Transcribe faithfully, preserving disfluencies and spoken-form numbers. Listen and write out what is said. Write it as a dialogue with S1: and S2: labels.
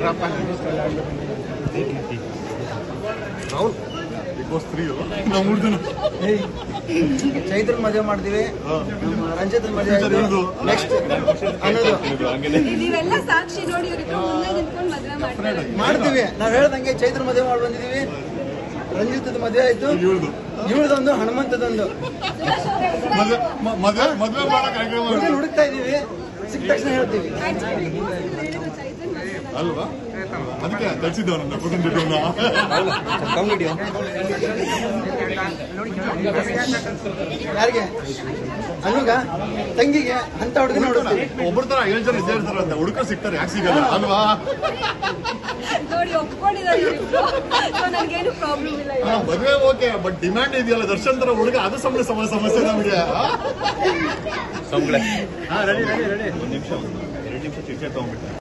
S1: ರಾಹುಲ್
S2: ಚೈತ್ರ ಮದುವೆ ಮಾಡ್ತೀವಿ, ರಂಜಿತ್ ಮದುವೆ ನೆಕ್ಸ್ಟ್ ಅನ್ನೋದು ಮಾಡ್ತೀವಿ. ನಾವ್ ಹೇಳ್ದಂಗೆ ಚೈತ್ರ ಮದುವೆ ಮಾಡಿ ಬಂದಿದೀವಿ, ರಂಜಿತ್ ಮದುವೆ ಆಯ್ತು, ಇವಳದೊಂದು ಹನುಮಂತದೊಂದು ಹುಡುಕ್ತಾ ಇದೀವಿ. ಸಿಕ್ಕ ತಕ್ಷಣ ಹೇಳ್ತೀವಿ
S1: ಅಲ್ವಾ? ಅದಕ್ಕೆ ತರಿಸಿದ್ದವ ನನ್ನ
S2: ಯಾರಿಗೆ ಅನ್ನುಗ ತಂಗಿಗೆ ಅಂತ ಹುಡುಗ ನೋಡ್ತೀವಿ.
S1: ಒಬ್ಬರ ತರ ಏಳು ಜನ ಇದ್ದೇ ಇರ್ತಾರಂತ, ಹುಡುಗ ಸಿಗ್ತಾರೆ, ಯಾಕೆ ಸಿಗಲ್ಲ ಅಲ್ವಾ? ಮದುವೆ ಓಕೆ, ಬಟ್ ಡಿಮ್ಯಾಂಡ್ ಇದೆಯಲ್ಲ ದರ್ಶನ್ ತರ ಹುಡುಗ, ಅದು ಸಮಸ್ಯೆ ಸಮಸ್ಯೆ ನಮಗೆ. ಒಂದ್ ನಿಮಿಷ ಎರಡು ನಿಮಿಷ ಚಿಟ್ಟೆ ತಗೊಂಡ್ಬಿಟ್ಟೆ.